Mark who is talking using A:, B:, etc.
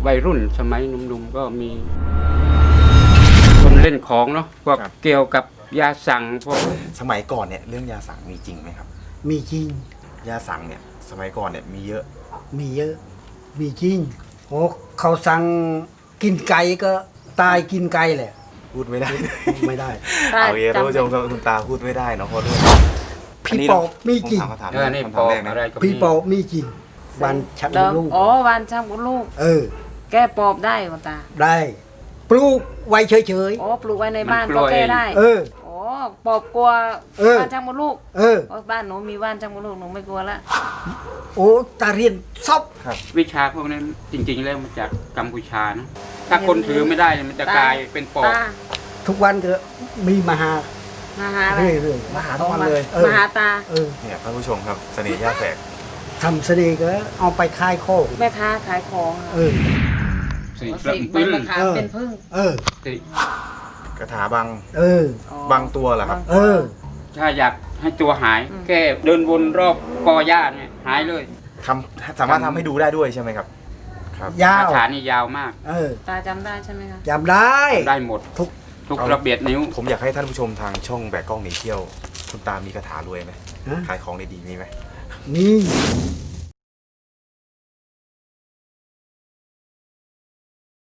A: วัยรุ่นสมัยหนุ่มๆก็มีคนเล่นของเนาะพวกเกี่ยวกับยาสั่งพวก
B: สมัยก่อนเนี่ยเรื่องยาสั่งมีจริงไหมครับ
C: มีจริง
B: ยาสั่งเนี่ยสมัยก่อนเนี่ยมีเยอะ
C: มีเยอะ มีจริงโอ้เขาสั่งกินไก่ก็ตายกินไก่แหละ
B: พูดไม่ได้
C: ไม่ได้
B: เอาเยอะท่านผู้ชมคุณตาพูดไม่ได้เนาะขอโทษ
C: พี่ปอบมีจริง
B: ผมถาม
A: นี่
B: คำ
A: ป
B: ถาม
A: อก
B: แรกนะ
A: อะไรก็มี
C: พี่ปอบมีจริงวันชักลูก
D: อ๋อวันช่างกับลูก
C: เออ
D: แก้ปอบได้คุณตา
C: ได้ปลูกไว้เฉย
D: อ๋อปลูกไว้ในบ้านก็แก้ได้
C: ๆ เออ
D: อ๋อปอบกลัว
C: เออ
D: ว่านช่างกับลูก
C: เออ
D: เพราะบ้านหนูมีว่านช่างกับลูกหนูไม่กลัวละ
C: โอ้ตาเรียนซอบ
A: วิชาพวกนั้นจริงๆแล้วมาจากกัมพูชานะถ้าคนถือไม่ได้เนี่ยมันจะกลายเป็นปอบ
D: ตา
C: ทุกวันก็มีมาหา
D: มาหาอะไร
C: เรื่อยๆ
B: มาหาทุกวันเลย
C: เออ
D: มาหาตา
C: เออ
B: เนี่ยท่านผู้ชมครับเสน่ห์ย่าแฝก
C: ทำเสน่ห์ก็เอาไปคายโคก
D: แม่ค้าขายของอะ
C: เออ
A: สี่
D: เอา
A: กระ
D: สิใบ
A: ปึ้ง
D: มะขามเป็นพึ่ง
C: เออ
A: สี่
B: กระถาบาง
C: เออ
D: อ๋อบ
B: างตัวเหรอครับ
C: เออ
A: ถ้าอยากให้ตัวหาย แค่เดินวนรอบกอหญ้าเนี่ยหายเลย
B: สามารถทำให้ดูได้ด้วยใช่ไหมครับ ครับ
C: ยาว
A: คาถานี่ยาวมาก
C: เออ
D: ตาจำได้ใช่ไหมคะ
C: จำได้
A: ได้หมด
C: ทุก
A: ทุกระเบียดนิ้ว
B: ผมอยากให้ท่านผู้ชมทางช่องแบกกล้องหนีเที่ยว คุณตามีคาถารวยไหม
C: ฮะ
B: ขายของได้ดีมีไหม
C: นี่